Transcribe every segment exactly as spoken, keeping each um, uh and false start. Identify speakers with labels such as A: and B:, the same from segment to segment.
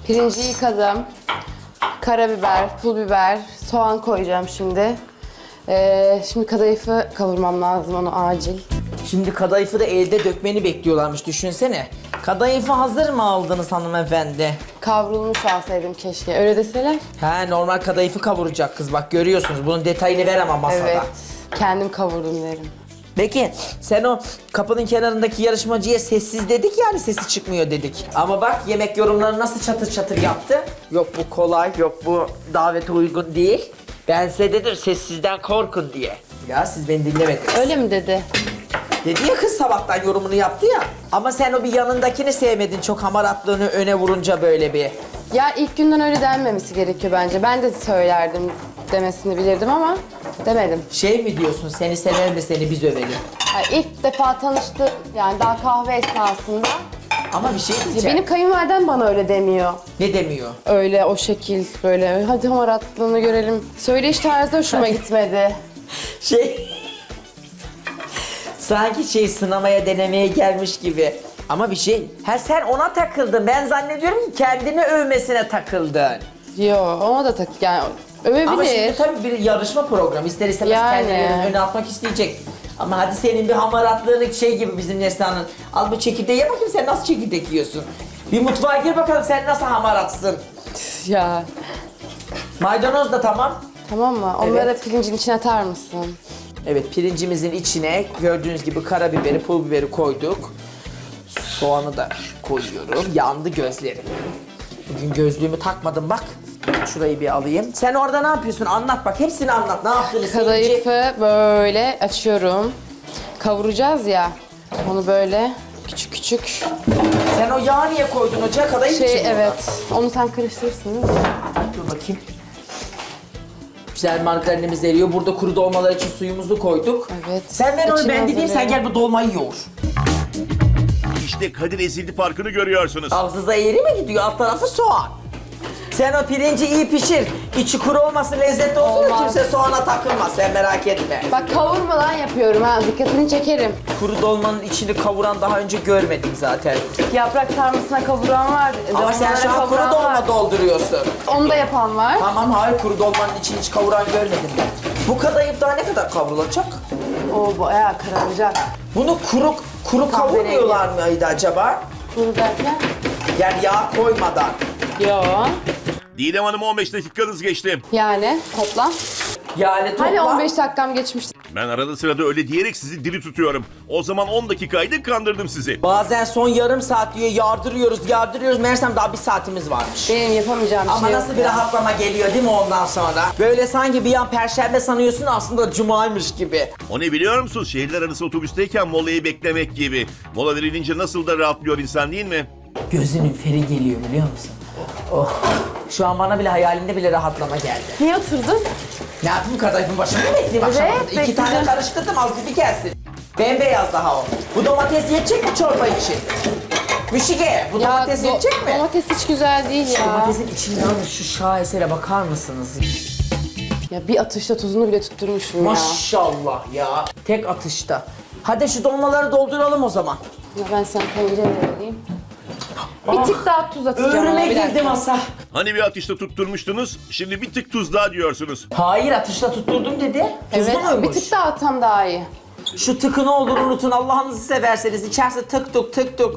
A: Pirinci yıkadım. Karabiber, pul biber, soğan koyacağım şimdi. Ee, şimdi kadayıfı kavurmam lazım, onu acil.
B: Şimdi kadayıfı da elde dökmeni bekliyorlarmış, düşünsene. Kadayıfı hazır mı aldınız hanımefendi?
A: Kavrulmuş alsaydım keşke, öyle deseler.
B: He, normal kadayıfı kavuracak kız, bak görüyorsunuz. Bunun detayını ver ama masada.
A: Evet, kendim kavurdum derim.
B: Peki sen o kapının kenarındaki yarışmacıya sessiz dedik, yani sesi çıkmıyor dedik. Ama bak yemek yorumları nasıl çatır çatır yaptı. Yok bu kolay, yok bu davete uygun değil. Ben size dedim sessizden korkun diye. Ya siz beni dinlemediniz.
A: Öyle mi dedi?
B: Dedi ya kız, sabahtan yorumunu yaptı ya. Ama sen o bir yanındakini sevmedin, çok hamaratlığını öne vurunca böyle bir.
A: Ya ilk günden öyle denmemesi gerekiyor bence. Ben de söylerdim demesini bilirdim ama demedim.
B: Şey mi diyorsun, seni sever mi seni biz övelim?
A: Yani ilk defa tanıştık, yani daha kahve esnasında.
B: Ama bir şey
A: Ya
B: diyeceğim.
A: benim kayınvalidem bana öyle demiyor.
B: Ne demiyor?
A: Öyle o şekil böyle hadi hamaratlığını görelim. Söyleyiş tarzı hoşuma gitmedi.
B: Şey... Sanki şey sınamaya denemeye gelmiş gibi. Ama bir şey, her sen ona takıldın. Ben zannediyorum ki kendini övmesine takıldın.
A: Yo, ona da tak yani övebilir.
B: Ama şimdi tabii bir yarışma programı. İster istemez
A: Yani.
B: kendilerini öne atmak isteyecek. Ama hadi senin bir hamaratlığını şey gibi bizim Neslihan'ın. Al bu çekirdeği ye bakayım, sen nasıl çekirdek yiyorsun? Bir mutfağa gir bakalım sen nasıl hamaratsın.
A: Ya
B: Maydanoz da tamam.
A: tamam mı? Onları
B: Evet.
A: pirincin içine atar mısın?
B: Evet, pirincimizin içine gördüğünüz gibi karabiberi, pul biberi koyduk. Soğanı da koyuyorum. Yandı gözlerim. Bugün gözlüğümü takmadım bak. Şurayı bir alayım. Sen orada ne yapıyorsun? Anlat bak. Hepsini anlat. Ne yaptığını seyirci...
A: Kadayıfı böyle açıyorum. Kavuracağız ya. Onu böyle küçük küçük.
B: Sen o yağı niye koydun ocağa? Kadayıf
A: Şey
B: için mi
A: evet. Onu sen karıştırırsın değil mi?
B: ona? Dur bakayım. Güzel margarinimiz eriyor. Burada kuru dolmalar için suyumuzu koyduk.
A: Evet.
B: Sen ver onu,
A: İçine
B: ben dediğim, sen
A: hazırlayalım.
B: gel bu dolmayı yoğur.
C: İşte Kadir ezildi farkını görüyorsunuz.
B: Ağzınıza eğri mi gidiyor? Alt tarafı soğan. Sen o pirinci iyi pişir. İçi kuru olmasın, lezzetli olsun da
A: Olmaz.
B: kimse soğana takılmaz. Sen merak etme.
A: Bak kavurmadan yapıyorum ha. Dikkatini çekerim.
B: Kuru dolmanın içini kavuran daha önce görmedim zaten.
A: Yaprak sarmasına kavuran var.
B: Ama sen şu an
A: dolmalara
B: kuru
A: kavuran
B: dolma
A: var.
B: dolduruyorsun.
A: Onu da yapan var.
B: Tamam, hayır, kuru dolmanın içini hiç kavuran görmedim ben. Bu kadayıf daha ne kadar kavrulacak?
A: O bayağı kararacak.
B: Bunu kuru kuru
A: Kahverengi.
B: kavurmuyorlar mıydı acaba?
A: Kuru derken?
B: Yani yağ koymadan.
A: Yo.
C: Didem Hanım on beş dakikanız geçti.
A: Yani toplam.
B: Yani toplam...
A: Hani on beş dakikam geçmişti.
C: Ben arada sırada öyle diyerek sizi diri tutuyorum. O zaman on dakikaydı, kandırdım sizi.
B: Bazen son yarım saat diyor, yardırıyoruz yardırıyoruz. Meğersem daha bir saatimiz varmış.
A: Benim yapamayacağım
B: Ama
A: şey
B: nasıl
A: yok
B: bir
A: ya.
B: rahatlama geliyor değil mi ondan sonra? Böyle sanki bir an perşembe sanıyorsun, aslında cumaymış gibi.
C: O ne biliyor musun? Şehirler arası otobüsteyken molayı beklemek gibi. Mola verilince nasıl da rahatlıyor insan, değil mi?
B: Gözünün feri geliyor biliyor musun? Oh. Şu an bana bile hayalinde bile rahatlama geldi.
A: Niye oturdun?
B: Ne yapayım, kadayıfın başını mı bekleyeyim akşam?
A: Evet,
B: İki
A: bekleyeceğim.
B: tane karıştırdım, az gibi gelsin. Bembeyaz daha o. Bu domates yetecek mi çorba için? Müşike, bu domates
A: do-
B: yetecek mi?
A: Domates hiç güzel değil
B: Şu
A: ya.
B: domatesin içinden şu şahesere bakar mısınız?
A: Ya bir atışta tuzunu bile tutturmuşum ya.
B: Maşallah ya. Tek atışta. Hadi şu dolmaları dolduralım o zaman.
A: Ya ben sana tencere vereyim. Bir tık daha tuz atacağım
B: Öğrüme
A: ama bir
B: girdi
A: dakika.
B: masa.
C: Hani bir atışta tutturmuştunuz, şimdi bir tık tuz daha diyorsunuz.
B: Hayır, atışla tutturdum dedi. Tuzlu
A: Evet,
B: muymuş?
A: bir tık daha atsam daha iyi.
B: Şu tıkı ne olur unutun, Allah'ınızı severseniz. İçerisi tık tık tık tık.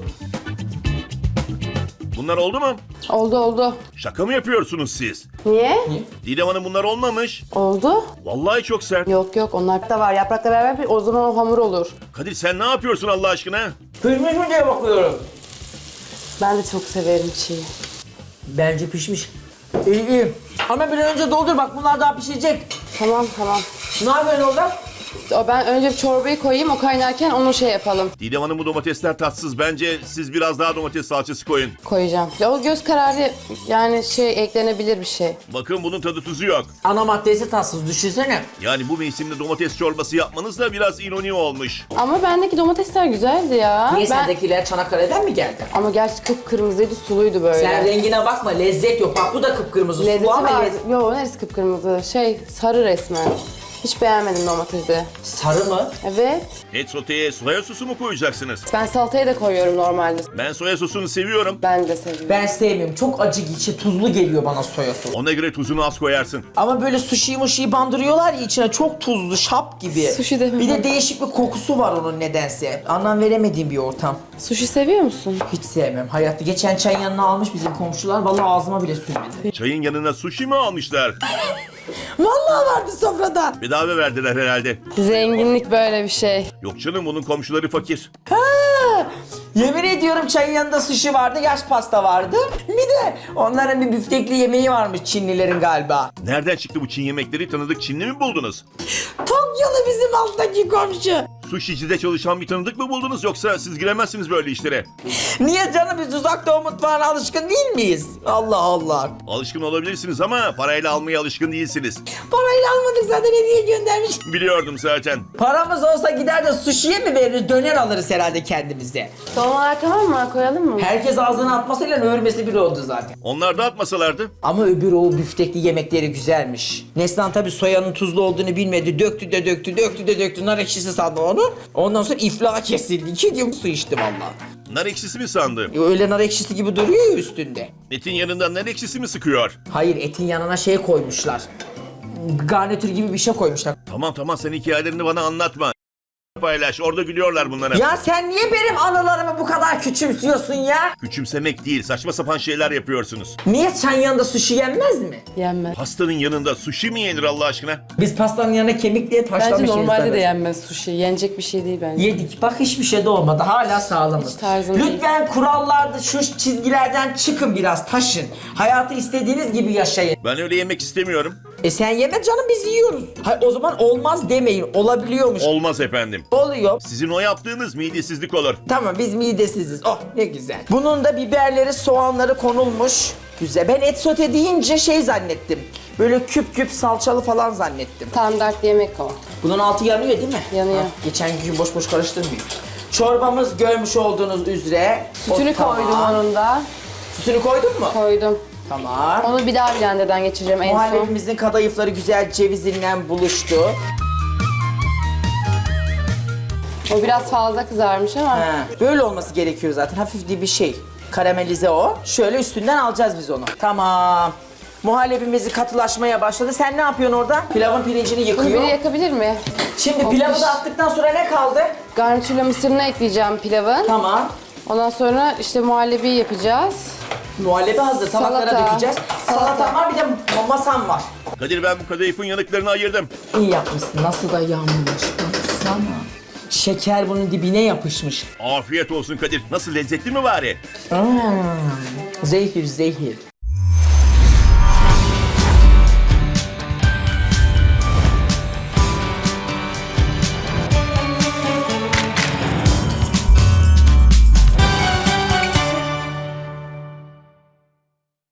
C: Bunlar oldu mu?
A: Oldu oldu.
C: Şaka mı yapıyorsunuz siz?
A: Niye?
C: Didem Hanım bunlar olmamış.
A: Oldu.
C: Vallahi çok sert.
A: Yok yok onlar da var. Yaprakla beraber bir- o zaman o hamur olur.
C: Kadir sen ne yapıyorsun Allah aşkına?
B: Pişmiş mi diye bakıyorum.
A: Ben de çok severim çiğ.
B: Bence pişmiş. İyi iyi. Ama bir an önce doldur bak, bunlar daha pişecek.
A: Tamam tamam.
B: Ne yapıyorsun orada?
A: O ben önce bir çorbayı koyayım, o kaynarken onu şey yapalım.
C: Didem Hanım bu domatesler tatsız. Bence siz biraz daha domates salçası koyun.
A: Koyacağım. Ya o göz kararı yani şey eklenebilir bir şey.
C: Bakın bunun tadı tuzu yok.
B: Ana maddesi tatsız, düşünsene.
C: Yani bu mevsimde domates çorbası yapmanız da biraz ironi olmuş.
A: Ama bendeki domatesler güzeldi ya.
B: Niye
A: ben...
B: sendekiler Çanakkale'den mi geldi?
A: Ama gerçi kıpkırmızıydı, suluydu böyle.
B: Sen rengine bakma, lezzet yok. Bak bu da kıpkırmızı.
A: Lezzeti
B: Sulu ama
A: var.
B: lezzet-
A: Yo neresi kıpkırmızı? Şey sarı resmen. Hiç beğenmedim domatesi.
B: Sarı mı?
A: Evet.
C: Et soteye soya sosu mu koyacaksınız?
A: Ben salataya da koyuyorum normalde.
C: Ben soya sosunu seviyorum.
A: Ben de seviyorum.
B: Ben sevmiyorum. Çok acı, içi tuzlu geliyor bana soya sosu.
C: Ona göre tuzunu az koyarsın.
B: Ama böyle sushi'yi muşiyi bandırıyorlar ya içine, çok tuzlu, şap gibi.
A: Sushi de mi?
B: Bir de değişik bir kokusu var onun nedense. Anlam veremediğim bir ortam.
A: Sushi seviyor musun?
B: Hiç sevmem. Hayatta geçen çayın yanına almış bizim komşular. Vallahi ağzıma bile sürmedi.
C: Çayın yanına sushi mi almışlar?
B: Vallahi vardı sofrada.
C: Bedava verdiler herhalde.
A: Zenginlik böyle bir şey.
C: Yok canım, bunun komşuları fakir.
B: Ha! Yemin ediyorum çayın yanında sushi vardı, yaş pasta vardı. Bir de onların bir büftekli yemeği varmış Çinlilerin galiba.
C: Nereden çıktı bu Çin yemekleri? Tanıdık Çinli mi buldunuz?
B: Tokyalı bizim alttaki komşu.
C: Sushi'cide çalışan bir tanıdık mı buldunuz, yoksa siz giremezsiniz böyle işlere?
B: Niye canım, biz uzak doğu mutfağına alışkın değil miyiz? Allah Allah.
C: Alışkın olabilirsiniz ama parayla almaya alışkın değilsiniz.
B: Parayla almadık zaten, hediye göndermiş.
C: Biliyordum zaten.
B: Paramız olsa gider de sushi'ye mi veririz, döner alırız herhalde kendimize.
A: Son olarak tamam mı? Koyalım mı?
B: Herkes ağzına atmasıyla örmesi bir oldu zaten.
C: Onlar da atmasalardı.
B: Ama öbür o büftekli yemekleri güzelmiş. Neslihan tabii soyanın tuzlu olduğunu bilmedi. Döktü de döktü, döktü de döktü. Nar ekşisi sandı onu. Ondan sonra iflah kesildi. İki gün su içti valla.
C: Nar ekşisi mi sandı?
B: Öyle nar ekşisi gibi duruyor ya üstünde.
C: Etin yanından nar ekşisi mi sıkıyor?
B: Hayır, etin yanına şey koymuşlar. Garnitür gibi bir şey koymuşlar.
C: Tamam tamam, sen hikayelerini bana anlatma. Paylaş, orada gülüyorlar bunlara.
B: Ya sen niye benim anılarımı bu kadar küçümsüyorsun ya?
C: Küçümsemek değil, saçma sapan şeyler yapıyorsunuz.
B: Niye çayın yanında sushi yenmez mi?
A: Yenmez.
C: Pastanın yanında sushi mi yenir Allah aşkına?
B: Biz pastanın yanına kemik diye taşlamışız.
A: Bence normalde
B: insanız.
A: de yenmez sushi. Yenecek bir şey değil bence.
B: Yedik. Bak hiçbir şey de olmadı. Hala sağlamız.
A: Hiç tarzım değil.
B: Lütfen kurallarda şu çizgilerden çıkın biraz, taşın. Hayatı istediğiniz gibi yaşayın.
C: Ben öyle yemek istemiyorum.
B: E sen yeme canım, biz yiyoruz. Hayır, o zaman olmaz demeyin. Olabiliyormuş.
C: Olmaz efendim.
B: Oluyor.
C: Sizin o yaptığınız midesizlik olur.
B: Tamam, biz midesiziz. Oh ne güzel. Bunun da biberleri, soğanları konulmuş. Güzel. Ben et sote deyince şey zannettim. Böyle küp küp salçalı falan zannettim.
A: Standart yemek o.
B: Bunun altı yanıyor değil mi?
A: Yanıyor.
B: Ha, geçen gün boş boş karıştırmayayım. Çorbamız görmüş olduğunuz üzere.
A: Sütünü
B: O
A: koydum
B: tamam.
A: onun da.
B: Sütünü koydun mu?
A: Koydum.
B: Tamam.
A: Onu bir daha blenderdan geçireceğim en son.
B: Muhallebimizin kadayıfları güzel cevizinden buluştu.
A: O biraz fazla kızarmış ama.
B: Ha, böyle olması gerekiyor zaten. Hafif bir şey. Karamelize o. Şöyle üstünden alacağız biz onu. Tamam. Muhallebimizi katılaşmaya başladı. Sen ne yapıyorsun orada? Pilavın pirincini
A: Bunu
B: yıkıyor.
A: biri yakabilir mi?
B: Şimdi
A: O
B: pilavı
A: piş-
B: da attıktan sonra ne kaldı?
A: Garnitürle mısırını ekleyeceğim pilavın.
B: Tamam.
A: Ondan sonra işte muhallebi yapacağız.
B: Muhallebi hazır. Tabaklara
A: Salata.
B: dökeceğiz.
A: Salata.
B: Salata var, bir de masam var.
C: Kadir, ben bu kadayıfın yanıklarını ayırdım.
B: İyi yapmışsın. Nasıl da yanmış. Baksana. Şeker bunun dibine yapışmış.
C: Afiyet olsun Kadir. Nasıl, lezzetli mi bari?
B: Hmm, zehir zehir.